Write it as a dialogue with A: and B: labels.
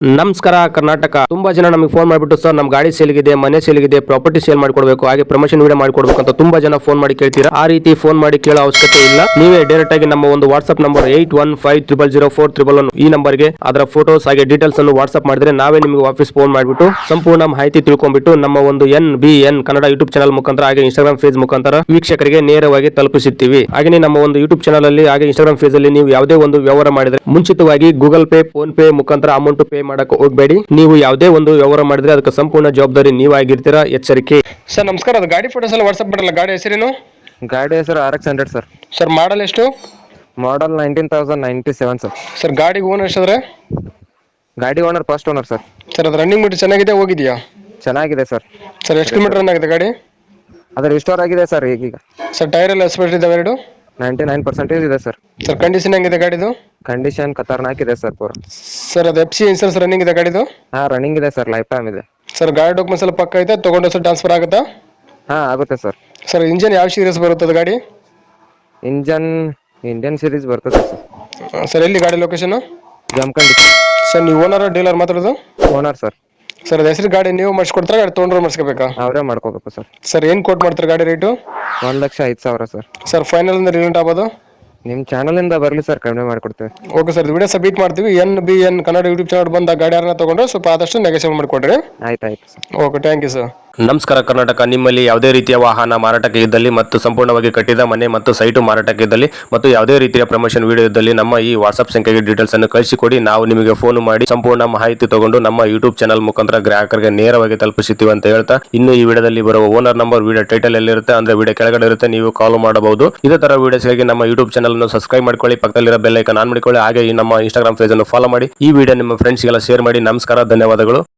A: ನಮಸ್ಕಾರ ಕರ್ನಾಟಕ. ತುಂಬಾ ಜನ ನಮಗೆ ಫೋನ್ ಮಾಡಿಬಿಟ್ಟು ಸರ್ ನಮ್ಮ ಗಾಡಿ ಸೇಲ್ಗಿದೆ, ಮನೆ ಸೇಲ್ಗಿದೆ, ಪ್ರಾಪರ್ಟಿ ಸೇಲ್ ಮಾಡಿಕೊಡ್ಬೇಕು, ಹಾಗೆ ಪ್ರಮೋಷನ್ ವಿಡಿಯೋ ಮಾಡಿಕೊಡ್ಬೇಕು ಅಂತ ತುಂಬಾ ಜನ ಫೋನ್ ಮಾಡಿ ಕೇಳ್ತೀರಾ. ಆ ರೀತಿ ಫೋನ್ ಮಾಡಿ ಕೇಳೋ ಅವಶ್ಯಕತೆ ಇಲ್ಲ. ನೀವೇ ಡೈರೆಕ್ಟ್ ಆಗಿ ನಮ್ಮ ಒಂದು ವಾಟ್ಸ್ಆಪ್ ನಂಬರ್ 81500411 ಈ ನಂಬರ್ಗೆ ಅದರ ಫೋಟೋಸ್ ಹಾಗೆ ಡೀಟೇಲ್ಸ್ ಅನ್ನು ವಾಟ್ಸ್ಆಪ್ ಮಾಡಿದ್ರೆ ನಾವೇ ನಿಮಗೆ ವಾಪಸ್ ಫೋನ್ ಮಾಡಿಬಿಟ್ಟು ಸಂಪೂರ್ಣ ಮಾಹಿತಿ ತಿಳ್ಕೊಂಡ್ಬಿಟ್ಟು ನಮ್ಮ ಒಂದು NBN ಕನ್ನಡ ಯೂಟ್ಯೂಬ್ ಚಾನಲ್ ಮುಖಾಂತರ ಹಾಗೆ ಇನ್ಸ್ಟಾಗ್ರಾಮ್ ಪೇಜ್ ಮುಖಾಂತರ ವೀಕ್ಷಕರಿಗೆ ನೇರವಾಗಿ ತಲುಪಿಸುತ್ತೀವಿ. ಹಾಗೆ ನಮ್ಮ ಒಂದು ಯೂಟ್ಯೂಬ್ ಚಾನಲ್ ಅಲ್ಲಿ ಹಾಗೆ ಇನ್ಸ್ಟಾಗ್ರಾಮ್ ಪೇಜ್ ಅಲ್ಲಿ ನೀವು ಯಾವುದೇ ಒಂದು ವ್ಯವಹಾರ ಮಾಡಿದ್ರೆ ಮುಂಚಿತವಾಗಿ ಗೂಗಲ್ ಪೇ, ಫೋನ್ ಪೇ ಮುಖಾಂತರ ಅಮೌಂಟ್ ಪೇ ಮಾಡಕ್ಕೆ ಹೋಗಬೇಡಿ. ನೀವು ಯಾವುದೇ ಒಂದು ವ್ಯವಹಾರ ಮಾಡಿದ್ರೆ ಅದಕ್ಕೆ ಸಂಪೂರ್ಣ ಜವಾಬ್ದಾರಿ ನೀವಾಗಿರ್ತೀರಾ, ಎಚ್ಚರಿಕೆ. ಸರ್ ನಮಸ್ಕಾರ, ಅದು ಗಾಡಿ ಫೋಟೋಸ್ ಎಲ್ಲ ವಾಟ್ಸ್ಆಪ್ ಮಾಡಲ್ಲ. ಗಾಡಿ ಹೆಸರೇನು?
B: ಗಾಡಿ ಹೆಸರು RX 100 ಸರ್.
A: ಸರ್ ಮಾಡಲ್ ಎಷ್ಟು?
B: Model 19,097 sir.
A: ಸರ್ ಗಾಡಿಗೆ ಓನರ್ ಎಷ್ಟಾದ್ರೆ?
B: ಗಾಡಿ owner first owner sir.
A: Sir ಅದು ರನ್ನಿಂಗ್ ಮೀಟರ್ ಚೆನ್ನಾಗಿದೆ, ಹೋಗಿದೆಯಾ?
B: ಚೆನ್ನಾಗಿದೆ ಸರ್.
A: ಸರ್ ಎಷ್ಟು ಕಿಲೋಮೀಟರ್ ರನ್ ಆಗಿದೆ ಗಾಡಿ?
B: ಅದು ರಿಸ್ಟೋರ್ ಆಗಿದೆ ಸರ್ ಈಗೀಗ.
A: ಸರ್ ಟೈರ್ ಎಲ್ಲ ಎಸ್ಪೆಕ್ಟ್ ಇದಾವೆ ಎರಡು?
B: 99% ಇದೆ ಸರ್.
A: ಸರ್ ಕಂಡೀಷನ್ ಹೆಂಗಿದೆ ಗಾಡಿದು?
B: ಕಂಡೀಷನ್ ಖತರ್ನಾಕ್ ಇದೆ ಸರ್ ಪೂರ.
A: ಸರ್ ಅದು FC ಇನ್ಸೂರೆನ್ಸ್ ರನ್ನಿಂಗ್ ಇದೆ ಗಾಡಿದು?
B: ಹಾ ರನ್ನಿಂಗ್ ಇದೆ ಸರ್, ಲೈಫ್ ಟೈಮ್ ಇದೆ.
A: ಸರ್ ಗಾಡಿ ಡಾಕ್ಯುಮೆಂಟ್ಸ್ ಎಲ್ಲ ಪಕ್ಕ ಐತೆ, ತಗೊಂಡು ಸರ್ ಟ್ರಾನ್ಸ್ಫರ್ ಆಗುತ್ತಾ?
B: ಹಾ ಆಗುತ್ತೆ ಸರ್.
A: ಸರ್ ಇಂಜಿನ್ ಯಾವ ಸೀರೀಸ್ ಬರುತ್ತದೆ ಗಾಡಿ?
B: ಇಂಜನ್ ಇಂಡಿಯನ್ ಸೀರೀಸ್ ಬರ್ತದೆ ಸರ್.
A: ಸರ್ ಎಲ್ಲಿ ಗಾಡಿ ಲೊಕೇಶನ್?
B: ಜಮಖಂಡಿ.
A: ಸರ್ ನೀವು ಓನರ್ ಡೀಲರ್ ಮಾತಾಡೋದು?
B: Owner sir.
A: ಸರ್ ಅದು ಹೆಸರು ಗಾಡಿ ನೀವು ಮಾಡಿಸ್ಕೊಡ್ತಾರೆ, ಗಾಡಿ ತೊಗೊಂಡ್ರೆ ಮಾಡಿಸ್ಕೋಬೇಕಾ?
B: ಅವರೇ ಮಾಡ್ಕೋಬೇಕು ಸರ್.
A: ಸರ್ ಏನು ಕೋಟ್ ಮಾಡ್ತಾರೆ ಗಾಡಿ ರೇಟು?
B: 1,05,000 ಸರ್.
A: ಸರ್ ಫೈನಲ್ ಅಂದ್ರೆ ರಿಲೇಟ್ ಆಗ್ಬೋದು?
B: ನಿಮ್ಮ ಚಾನಲ್ ಇಂದ ಬರಲಿ ಸರ್, ಕಡಿಮೆ ಮಾಡಿಕೊಡ್ತೇವೆ.
A: ಓಕೆ ಸರ್, ವಿಡಿಯೋ ಸಬ್ಮಿಟ್ ಮಾಡ್ತೀವಿ. NBN ಕನ್ನಡ ಯೂಟ್ಯೂಬ್ ಚಾನಲ್ ಬಂದ ಗಾಡಿ ಯಾರನ್ನ ತಗೊಂಡ್ರೆ ಸ್ವಲ್ಪ ಆದಷ್ಟು ನೆಗೋಷಿಯೇಟ್ ಮಾಡಿಕೊಡ್ರಿ.
B: ಆಯ್ತು sir.
A: Okay, thank you sir.
C: ನಮಸ್ಕಾರ ಕರ್ನಾಟಕ. ನಿಮ್ಮಲ್ಲಿ ಯಾವುದೇ ರೀತಿಯ ವಾಹನ ಮಾರಾಟಕ್ಕೆ ಇದ್ದಲ್ಲಿ ಮತ್ತು ಸಂಪೂರ್ಣವಾಗಿ ಕಟ್ಟಿದ ಮನೆ ಮತ್ತು ಸೈಟು ಮಾರಾಟಕ್ಕೆ ಇದ್ದಲ್ಲಿ ಮತ್ತು ಯಾವುದೇ ರೀತಿಯ ಪ್ರಮೋಷನ್ ವಿಡಿಯೋ ಇದ್ದಲ್ಲಿ ನಮ್ಮ ಈ ವಾಟ್ಸ್ಆಪ್ ಸಂಖ್ಯೆಗೆ ಡೀಟೇಲ್ಸ್ ಅನ್ನು ಕಳಿಸಿಕೊಡಿ. ನಾವು ನಿಮಗೆ ಫೋನ್ ಮಾಡಿ ಸಂಪೂರ್ಣ ಮಾಹಿತಿ ತಗೊಂಡು ನಮ್ಮ ಯೂಟ್ಯೂಬ್ ಚಾನಲ್ ಮುಖಾಂತರ ಗ್ರಾಹಕರಿಗೆ ನೇರವಾಗಿ ತಲುಪಿಸುತ್ತೀವಿ ಅಂತ ಹೇಳ್ತಾ, ಇನ್ನು ಈ ವಿಡಿಯೋದಲ್ಲಿ ಬರುವ ಓನರ್ ನಂಬರ್ ವಿಡಿಯೋ ಟೈಟಲ್ ಎಲ್ಲಿರುತ್ತೆ ಅಂದ್ರೆ ವಿಡಿಯೋ ಕೆಳಗಡೆ ಇರುತ್ತೆ, ನೀವು ಕಾಲ್ ಮಾಡಬಹುದು. ಇದೇ ತರ ವಿಡಿಯೋಸ್ಗಾಗಿ ನಮ್ಮ ಯೂಟ್ಯೂಬ್ ಚಾನಲ್ ಅನ್ನು ಸಬ್ಸ್ಕ್ರೈಬ್ ಮಾಡ್ಕೊಳ್ಳಿ, ಪಕ್ಕದಲ್ಲಿರೋ ಬೆಲ್ ಐಕಾನ್ ಆನ್ ಮಾಡಿಕೊಳ್ಳಿ, ಹಾಗೆ ಈ ನಮ್ಮ ಇನ್ಸ್ಟಾಗ್ರಾಮ್ ಪೇಜ್ ಅನ್ನು ಫಾಲೋ ಮಾಡಿ. ಈ ವಿಡಿಯೋ ನಿಮ್ಮ ಫ್ರೆಂಡ್ಸ್ಗೆಲ್ಲ ಶೇರ್ ಮಾಡಿ. ನಮಸ್ಕಾರ, ಧನ್ಯವಾದಗಳು.